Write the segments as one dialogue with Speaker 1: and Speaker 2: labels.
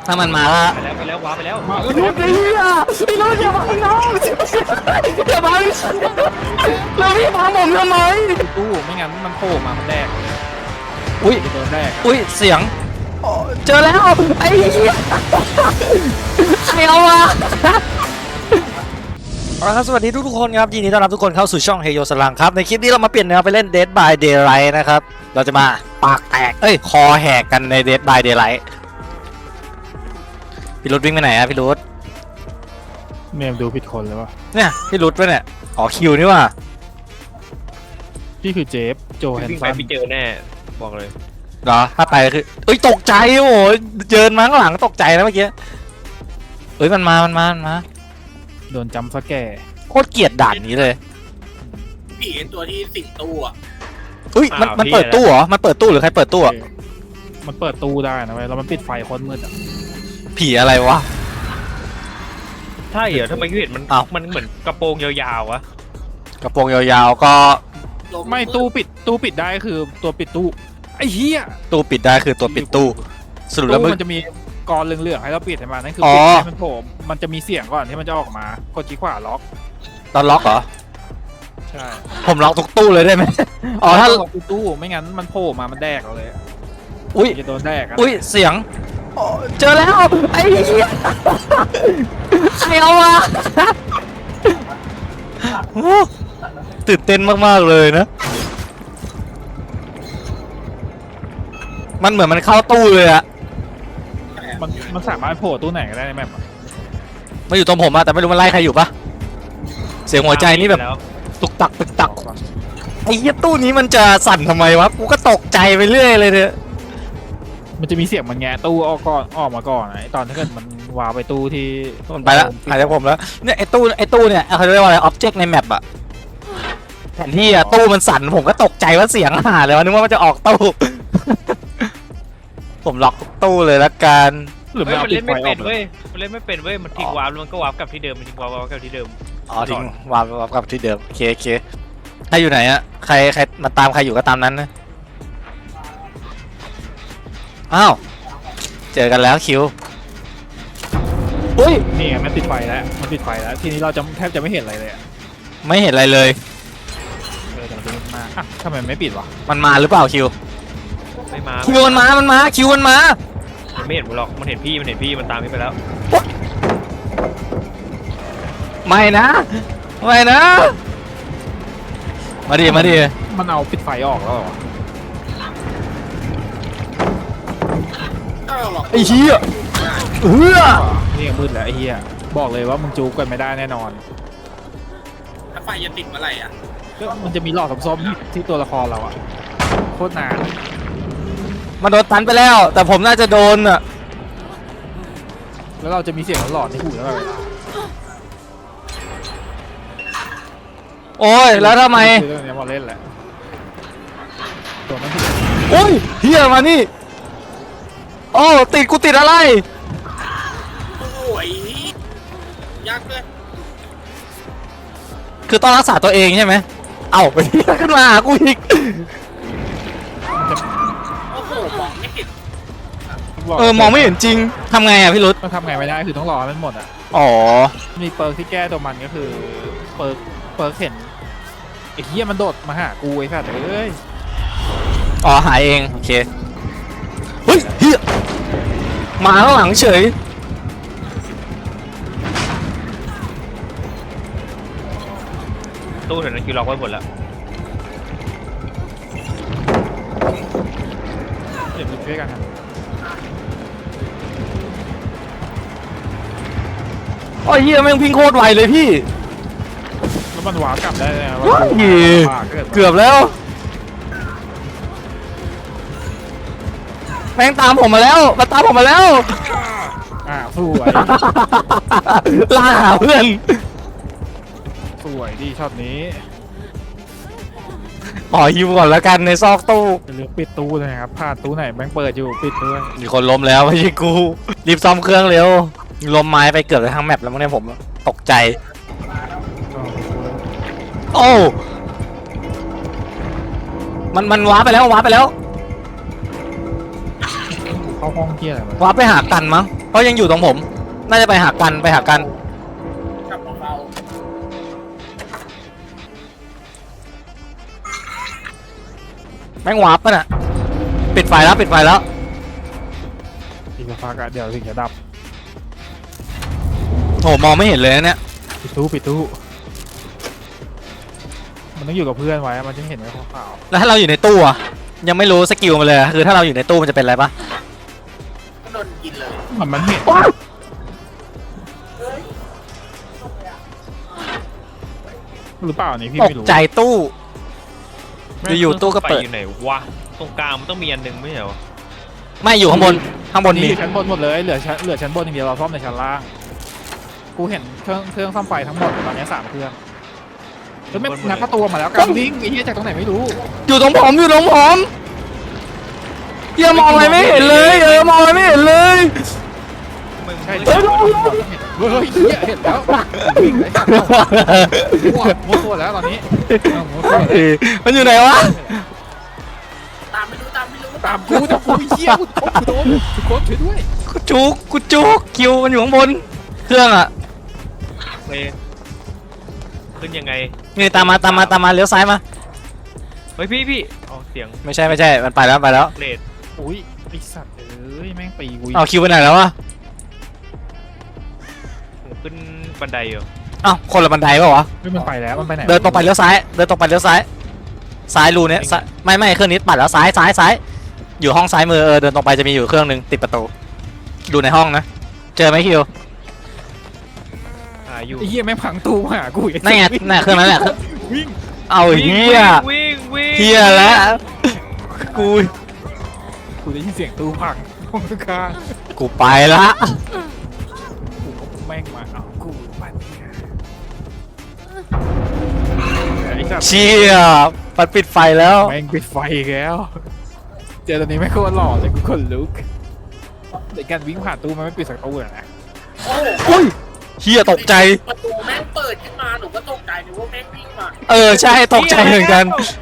Speaker 1: ถ้ามันมาแล้ว
Speaker 2: ไปแล้วว้าไปแล้ว
Speaker 1: ไอ้รถไอ้รถอย่ามาน้องอย่ามาแล้วพี่มาผมทำไม
Speaker 3: ตู้ไม่งั้นมันโผล่มามันแดก
Speaker 1: อุ้ย
Speaker 3: โดนแดก
Speaker 1: อุ้ยเสียงเจอแล้วไอ้เหี้ยใครเอามาครับสวัสดีทุกคนครับยินดีต้อนรับทุกคนเข้าสู่ช่องเฮโยสลังครับในคลิปนี้เรามาเปลี่ยนแนวไปเล่น Dead by Daylight นะครับเราจะมาปากแตกคอแหกกันใน Dead by Daylight พี่รุดวิ่งไปไหนอะพี่รุด
Speaker 3: เมมดูผิดคนเลยวะ
Speaker 1: เนี่ยพี่รุดไปเนี่ยอ๋อคิวนี่ว่ะ
Speaker 3: พี่คือเจฟโจแฮน
Speaker 2: วิ่ง
Speaker 3: สั
Speaker 2: ไป
Speaker 3: น
Speaker 2: พี่เจอแน่บอกเลย
Speaker 1: เหรอถ้าไปคือตกใจโอ้ยเจินมาข้างหลังตกใจนะเมื่อกี้มันมา
Speaker 3: โดนจำสแกร์
Speaker 1: โคตรเกลียดด่านนี้เลย
Speaker 4: ผีตัวที่สิงตู้อ่ะ
Speaker 1: มันเปิดตู้เหรอมันเปิดตู้หรือใครเปิดตู้อ่ะ
Speaker 3: มันเปิดตู้ได้นะเว้ยแล้วมันปิดไฟคนมืดอ่ะ
Speaker 1: ผีอะไรวะ
Speaker 2: ใช่เหรอทำไมพี่เห็นมันเหมือนกระโปรงยาวๆวะ
Speaker 1: กระโปรงยาวๆก็
Speaker 3: ไม่ตู้ปิดได้คือตัวปิดตู้ไอ้เหี้ย
Speaker 1: ตู้ปิดได้คือตัวปิดตู้สรุปแล้ว
Speaker 3: มันจะมีกรเหลืองๆให้เราปิดให้มันนั่นคือปิดให้มันโผล่มันจะมีเสียงก่อนที่มันจะออกมากดชี้ขวาล็อก
Speaker 1: ตอนล็อกเหรอ
Speaker 3: ใช่
Speaker 1: ผมล็อกทุกตู้เลยได้ไหม
Speaker 3: อ๋อถ้าล็อกตู้ไม่งั้นมันโผล่มามันแดกเราเลยจะโดนแดก
Speaker 1: เสียงเจอแล้วไอ้เหี้ยใครเอามาตื่นเต้นมากๆเลยนะมันเหมือนมันเข้าตู้เลยอะ
Speaker 3: มันสามารถโผล่ตู้ไหนก็ได้ในแมป
Speaker 1: มาอยู่ตรงผมอะแต่ไม่รู้มันไล่ใครอยู่ปะเสียงหัวใจนี่แบบตุกตักไอ้เหี้ยตู้นี้มันจะสั่นทำไมวะกูก็ตกใจไปเรื่อยเลยเนี่ย
Speaker 3: มันจะมีเสียงมันแงะตู้ออกมาก่อนไอตอนที่เกิดมันวาไปตู้ที่
Speaker 1: มันไปแล้วหายจากผมแล้วเนี่ยไอตู้เนี่ยเขาเรียกว่าอะไรอ็อบเจกต์ในแมปอะแผนที่อะตู้มันสั่นผมก็ตกใจว่าเสียงหาเลยวะนึกว่ามันจะออกตู้ผมล็อกตู้เลยละกัน
Speaker 2: หรือมันเล่นไม่เป็นเว้ยมันทิ้งวาร์ปแล้วมันก็วาร์ปกลับที่เดิมมันทิ้งวาร์ปกลับที่เดิม
Speaker 1: อ๋อทิ้งวาร์ปกลับที่เดิมโอเคใครอยู่ไหนอะใครมาตามใครอยู่ก็ตามนั้นนะอ้าวเจอกันแล้วคิวอุ้ย
Speaker 3: นี่มันติดไฟแล้วทีนี้เราจะแทบจะไม่เห็นอะไรเลย
Speaker 1: ไม่เห็นอะไรเลย
Speaker 3: แต่มันจะมาทำไมไม่ปิดวะ
Speaker 1: มันมาหรือเปล่าคิว
Speaker 2: ไม่มา
Speaker 1: คิวมันมาคิวมันมา
Speaker 2: มันไม่เห็นหรอกมันเห็นพี่มันตามพี่ไปแล้ว
Speaker 1: ไม่นะมาดิ
Speaker 3: มันเอาปิดไฟออกแล้ว
Speaker 1: ไอ้เหี้ย
Speaker 3: นี่มืดแล้วไอ้เหี้ยบอกเลยว่ามึงจูบกันไม่ได้แน่นอน
Speaker 4: ถ้าไฟจะติดเมื่อไหร่อ่ะ
Speaker 3: มันจะมีหลอดส้มๆที่ตัวละครเราอ่ะโคตรนาน
Speaker 1: มันโดนตันไปแล้วแต่ผมน่าจะโดนอ่ะ
Speaker 3: แล้วเราจะมีเสียงหลอดในหูตลอดเวลา
Speaker 1: โอ้ยแล้วทำไม
Speaker 3: เรื่องนี้มาเล่นแหละตัวมัน
Speaker 1: โอ้ยเฮียมานี่โอ้กูติดอะไร
Speaker 4: โอ้ยยากเลย
Speaker 1: คือต้องรักษาตัวเองใช่ไหมเอาไปที่ขึ้นมากูอีก
Speaker 4: โอ้โหมองไม่เห็น
Speaker 1: มองไม่เห็นจริงทำไงอ่ะพี่รุธ
Speaker 3: มันทำไงไม่ได้คือต้องรอให้มันหมดอ่ะ
Speaker 1: อ๋อ
Speaker 3: มีเปิร์กที่แก้ตัวมันก็คือเปิร์กเห็นไอ้เหี้ยมันโดดมาหากูไอ้สัตว์เอ้ย
Speaker 1: อ๋อหายเองโอเคเฮ้ยเฮียมาข้างหลังเฉย
Speaker 2: ตู้แถวนั้นคิวล็อกไว้หมดแล้ว
Speaker 3: เดี๋ยวช่วยกันครับ
Speaker 1: โอ้ยเฮียแม่งพิงโคตรไวเลยพี่
Speaker 3: แล้วมันวาร์ปกลับได้นะ
Speaker 1: เกือบแล้วแม่งตามผมมาแล้ว
Speaker 3: สวย
Speaker 1: ล่าหาเพื่อน
Speaker 3: สวยดีช็อตนี้
Speaker 1: ขอฮิวก่อนแล้วกันในซอกตู้
Speaker 3: เลือกปิดตู้เลยครับพลาดตู้ไหนแม่งเปิดอยู่ปิดด้วย
Speaker 1: มีคนล้มแล้วไม่ใช่กูรีบซ่อมเครื่องเร็วล้มไม้ไปเกือบจะทั้งแมปแล้วมั้งเนี่ยผมตกใจโอ้มันว้าไปแล้ว
Speaker 3: เข้าาห้องเที่ยอะไร
Speaker 1: วาร์ปไปหากันมั้งเพราะยังอยู่ตรงผม น่าจะไปหากันไปหากัน
Speaker 4: กลับของเรา
Speaker 1: แม่งวาร์ปป่ะน่ะปิดไฟแล้วปิดไฟแล้ว
Speaker 3: อีกสักพักอะเดี๋ยวถึงจะดับ
Speaker 1: โหมองไม่เห็นเลยนะเนี่ย
Speaker 3: ปิดตู้มันต้องอยู่กับเพื่อนไว้มันจะเห็นไว้ขาว
Speaker 1: แล้วถ้าเราอยู่ในตู้อะยังไม่รู้สกิลมันเลยอะคือถ้าเราอยู่ในตู้มันจะเป็นอะไรปะ
Speaker 4: ก็โดนกินเลย
Speaker 3: ๆมันเห็นหรือเปล่านี่พี่
Speaker 1: ตก
Speaker 3: ไม่รู้
Speaker 1: ใจตู้อยู่ๆตู้ก็เปิด
Speaker 2: ไฟอยู่ไหนวะตรงกลางมันต้องมีอันหนึงไม่ใช่เหรอ
Speaker 1: ไม่อยู่ข้างบนข้างบน
Speaker 3: นี่
Speaker 1: มี
Speaker 3: อยู่ชั้นบนหมดเลยเหลือชั้นบนอย่างเดียวเราซ่อมในชั้นล่างกูเห็นเครื่องซ่อมไฟทั้งหมดตอนนี้3 เครื่องแล้วไม่งัดประตูมาแล้วกันวิ่งไอ้เหี้ยจากตรงไหนไม่รู้
Speaker 1: อยู่ตรงผมอยู่ตรงผมเหี้ยมองอะไรไม่เห็นเลยมองอะไรไม่เห็นเลย
Speaker 2: มึง
Speaker 3: ใช่
Speaker 2: ไม่
Speaker 3: เฮ้ยเหี้ยเห็นแล้ววิ่งไอ้สัตว์มั่วตัวแล้วตอนนี้มั่วตัวแล้ว
Speaker 1: มันอยู่ไหนวะ
Speaker 4: ตามไม่รู้ตามไม่รู้
Speaker 3: ตามกูเหี้ยกูโดนกูโคตรช่วยด้วย
Speaker 1: กูจุกคิวมันอยู่ข้างบนเครื่องอะ
Speaker 2: เว้ยขึ้นยังไง
Speaker 1: นี่ตามมาเลี้ยวซ้ายมา
Speaker 2: เฮ้ยพี่เอาเสียง
Speaker 1: ไม่ใช่มันไปแล้ว
Speaker 2: เลด
Speaker 3: อุ้ยไอ้สัตว์เอ้ยแม่งตีกู
Speaker 1: เอาคิวไปไหนแล้ววะ
Speaker 2: ผมขึ้นบันไดอยู่
Speaker 1: อ้าวคนละบันไดเปล่าวะ
Speaker 3: ไม่มันไปแล้วมันไปไหน
Speaker 1: เดินตรงไปเลี้ยวซ้ายซ้ายรูเนี้ยซ้ายไม่เครื่องนี้ปัดแล้วซ้ายอยู่ห้องซ้ายมือเดินตรงไปจะมีอยู่เครื่องนึงติดประตูดูในห้องนะเจอไหมคิว
Speaker 2: หาอยู่
Speaker 3: ไอ้เหี้ยแม่งพังตู้มาหากู
Speaker 1: นั่นไงเครื่องนั้นแหละ
Speaker 3: วิ่ง
Speaker 1: เอาเฮีย
Speaker 2: วิ่ง
Speaker 1: เฮียแล้วกู
Speaker 3: กูได้ยินเสียงตู้พังห้องข้าง
Speaker 1: กูไปละ
Speaker 3: กูแม่งมาเอากูปัดไอ้สัตว์
Speaker 1: เชี่ยปัดปิดไฟแล้ว
Speaker 3: แม่งปิดไฟอีกแล้วเจอตอนนี้แม่งโคตรหล่อเลยกูขนลุกในการวิ่งผ่านตู้มันไม่ปิดสักตู้เลยนะ
Speaker 4: โอ้โห
Speaker 1: อุ้ยเฮียตกใจ
Speaker 4: ประตูแม่งเปิดขึ้นมาหนูก็ตกใจนึกว่าแม่งวิ่งมา
Speaker 1: ใช่ตกใจเหมือนกัน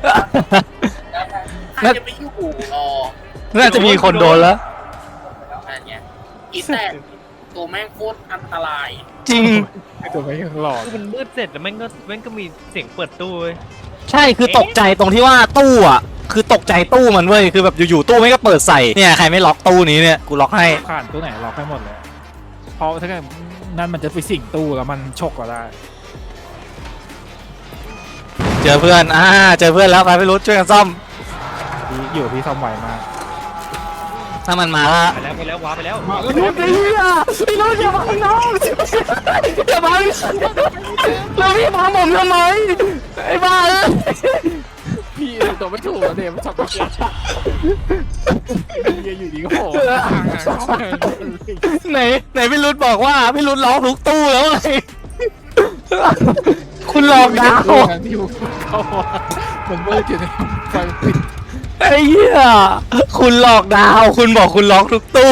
Speaker 4: ใครจะไปอยู่รอ
Speaker 1: น่าจะมีคนโดนแล้ว
Speaker 4: อะไรเงี้ยอีแต่ตัวแม่งโคตรอันตราย
Speaker 1: จริง
Speaker 3: ไอ้ตัวแม่งยังหล่อ
Speaker 2: มันมืดเสร็จแล้วแม่งก็มีเสียงเปิดตู้เว้ย
Speaker 1: ใช่คือตกใจตรงที่ว่าตู้อ่ะคือตกใจตู้มันเว้ยคือแบบอยู่ๆตู้ไม่ก็เปิดใส่เนี่ยใครไม่ล็อกตู้นี้เนี่ยกูล็อกให้
Speaker 3: ผ่านตู้ไหนล็อกให้หมดเลยเพราะถ้าเกิดนั่นมันจะไปสิงตู้แล้วมันฉกก็ได้
Speaker 1: เจอเพื่อนเจอเพื่อนแล้วไปไม่รู้ช่วยกันซ่อม
Speaker 3: พี่อยู่พี่ซ่อมไวมาก
Speaker 1: ถ้ามันมาละ
Speaker 2: ไปแล้วว้าไปแล้ว
Speaker 1: ไอ้รุ่นไอ้เหี้ยไอ้รุ่นอย่ามาน้องอย่ามาแล้วพี่พาผมทำไมไอ้บ้า
Speaker 3: พี่ตัวไม่ถูกแล้วเนี่ยมันชอบเฮียอยู่ดีก็โผล่
Speaker 1: ไหนพี่รุ่นบอกว่าพี่รุ่นล็อกทุกตู้แล้วไงคุณหลอกดาว
Speaker 3: ที่เข้ามามันมืดอยู่ในไฟปิด
Speaker 1: ไอ้เหี้ยคุณหลอกดาวคุณบอกคุณล็อกทุกตู้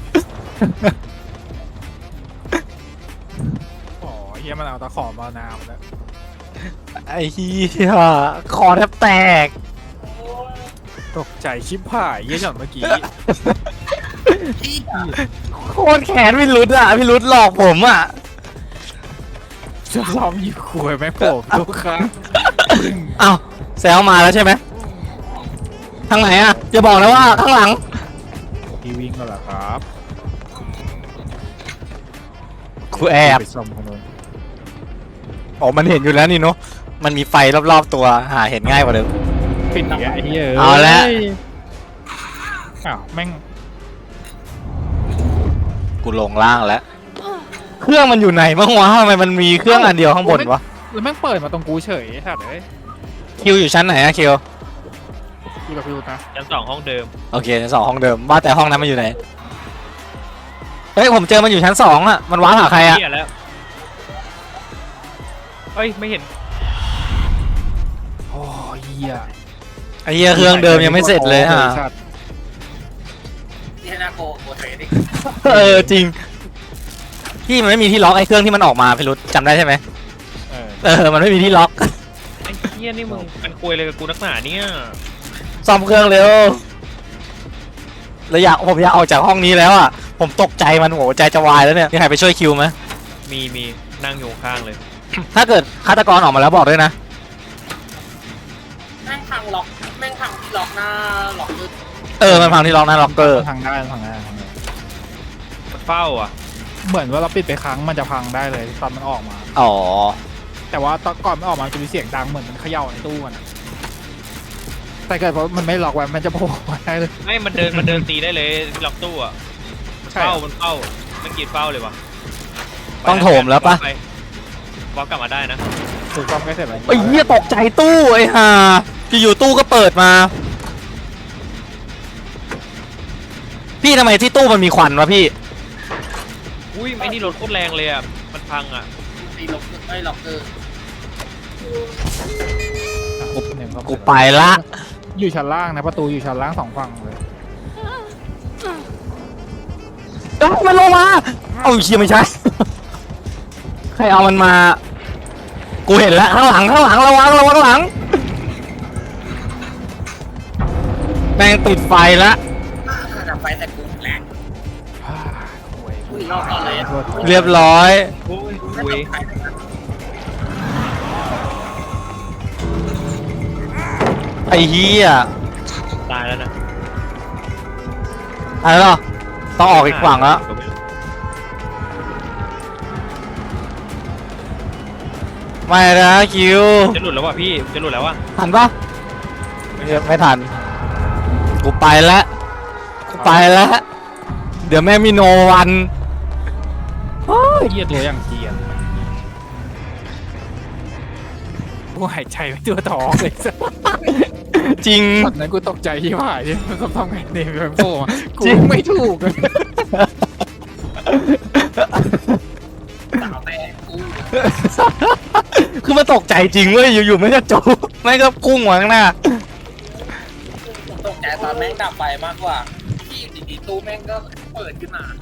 Speaker 3: อ๋อเฮียมันเอาตะขอมานาวแล้ว
Speaker 1: ไอ้เหี้ยคอแทบแตก
Speaker 3: ตกใจชิบหายเฮียหย่อนเมื่อกี้
Speaker 4: ที่
Speaker 1: โคตรแค้นพี่รุ่นอ่ะพี่รุ่นหลอกผมอ่ะ
Speaker 3: จะซ้อมยิงขวยแม่งโผล่ทุกครั้ง
Speaker 1: เอ้าแซวมาแล้วใช่ไหมทางไหนอ่ะอย่าบอกนะว่าข้างหลัง
Speaker 3: พี่วิ่งมาแล้วครับ
Speaker 1: กูแอบ
Speaker 3: ไปซ่อมคนนู้น
Speaker 1: อ๋อมันเห็นอยู่แล้วนี่เนาะมันมีไฟรอบๆตัวหาเห็นง่ายกว่าเดิม
Speaker 3: ปิดอีกแล้วไอ้เหี้ย
Speaker 1: เอาละ
Speaker 3: อ้าวแม่ง
Speaker 1: กูลงล่างแล้วเครื่องมันอยู่ไหนบ้างวะทำไมมันมีเครื่องอันเดียวข้างบนวะ
Speaker 3: แล้วแม่งเปิดมาตรงกูเฉยไอ้สัตว์เอ้ย
Speaker 1: คิวอยู่ชั้นไหนอะคิว
Speaker 3: กูกับพี่รู้นะ
Speaker 2: ชั้น2ห้องเดิม
Speaker 1: โอเคชั้นสองห้องเดิมว่าแต่ห้องนั้นมันอยู่ไหนเฮ้ยผมเจอมันอยู่ชั้น2อะมันว้าร์ปหาใครอะ
Speaker 2: เหี้ยแล้วเอ้ยไม่เห็น
Speaker 3: โอ้ยเหี้ย
Speaker 1: ไอ้เหี้ยเครื่องเดิมยังไม่เสร็จเลยฮะ
Speaker 3: สัตว์
Speaker 4: นี่น่าโกเทดิ
Speaker 1: จริงที่มันไม่มีที่ล็อกไอ้เครื่องที่มันออกมาพี่รุธจำได้ใช่ไหม มันไม่มีที่ล็อก
Speaker 2: ไอ้เหี้ยนี่มึงเป็นคุยอะไรกับกูนักหนาเนี่ย
Speaker 1: ซ่อมเครื่องเร็วแล้วผมอยากออกจากห้องนี้แล้วอ่ะผมตกใจมันโหใจจะวายแล้วเนี่ยมีใครไปช่วยคิวไหม
Speaker 2: มีนั่งอยู่ข้างเลย
Speaker 1: ถ้าเกิดฆาตกรออกมาแล้วบอกด้วยนะ
Speaker 4: แม่งพังล็อกแม่งพังที่ล็อกหน้าล็อกมือ
Speaker 1: มันพังที่ล็อกหน้าล็อกเกอร์
Speaker 3: ทางได้ทางได้ทางได้
Speaker 2: มันเฝ้าอ่ะ
Speaker 3: เหมือนว่าเราปิดไปครั้งมันจะพังได้เลยตอนมันออกมา
Speaker 1: อ๋อ
Speaker 3: แต่ว่าตอนก่อนมันออกมามันจะมีเสียงดังเหมือนมันเขย่าในตู้มันอะแต่เกิดเพราะมันไม่ล็อกไว้มันจะโผล่มาได้เลย
Speaker 2: ไม่มันเดินตีได้เลยล็อกตู้อ่ะมันเฝ้ามันกรีดเฝ้าเลยวะ
Speaker 1: ต้องโถมแล้วปะ
Speaker 2: บล็อกกลับมาได้นะ
Speaker 3: ถูกต้องใกล้เสร็จแล้ว
Speaker 1: ไอ้เหี้ยตกใจตู้ไอ้ห่าอยู่ๆตู้ก็เปิดมา พี่ทำไมที่ตู้มันมีควันวะพี่
Speaker 2: อุ้ยไอ้นี่รถโคตรแรงเลยอ่ะมันพังอ่ะ
Speaker 4: ตีล็อกไม่ล็อกเกอร์
Speaker 1: กูไปละ
Speaker 3: อยู่ชั้นล่างนะประตูอยู่ชั้นล่าง2ฝั่งเลย
Speaker 1: มันลงมาเอาเชี่ยไม่ใช่ ใครเอามันมา กูเห็นแล้วข้างหลังระวังข้างหลังแม่งติดไฟละ
Speaker 4: ดับไฟแต่กูแหลกอุ้ยรอบก่อนเลย
Speaker 1: เรียบร้อย
Speaker 2: อุ้ย
Speaker 4: อุ้ย
Speaker 1: ไอ้เหี้ย
Speaker 2: ตายแล้วนะ
Speaker 1: อะไรหรอต้องออกอีกฝั่งแล้วไม่นะคิว
Speaker 2: จะหลุดแล้วว่ะพี่จะหลุดแล้วว่ะ
Speaker 1: ทันปะไม่ทัน กูไปแล้วเดี๋ยวแม่มีโนวัน
Speaker 3: เยียตัวอย่างเกียนกูหายใจไม่ตัวท้องเลย
Speaker 1: จริง
Speaker 3: ตอนนั้นกูตกใจที่ผ่านที่มันทำไงเนี่ยมันโผล่มากู
Speaker 1: จริง
Speaker 3: ไม่ถูกเลย
Speaker 4: สาวแต่กู
Speaker 1: คือมันตกใจจริงเว้ยอยู่ๆไม่ก็จูไม่ก็พุ่งมาข้างหน้า
Speaker 4: ผมตกใจตอนแม่งดับไฟมากกว่าที่อยู่ดีๆตู้แม่งก็เปิดขึ้นมา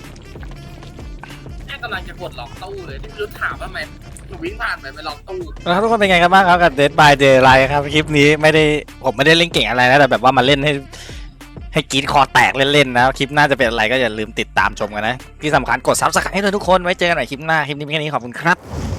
Speaker 4: แม่งกำลังจะกดล็อกตู้เลยที่ไม่รู้ถามว่าทำไมหนูวิ่งผ่านไปไม่ล็อกตู้
Speaker 1: แล้วทุกคนเป็นไงกันบ้างครับกับ Dead by Daylight ครับคลิปนี้ผมไม่ได้เล่นเก่งอะไรนะแต่แบบว่ามาเล่นให้กรีดคอแตกเล่นๆนะคลิปหน้าจะเป็นอะไรก็อย่าลืมติดตามชมกันนะที่สำคัญกด Subscribe ให้ด้วยทุกคนไว้เจอกันใหม่คลิปหน้าคลิปนี้เป็นแค่นี้ขอบคุณครับ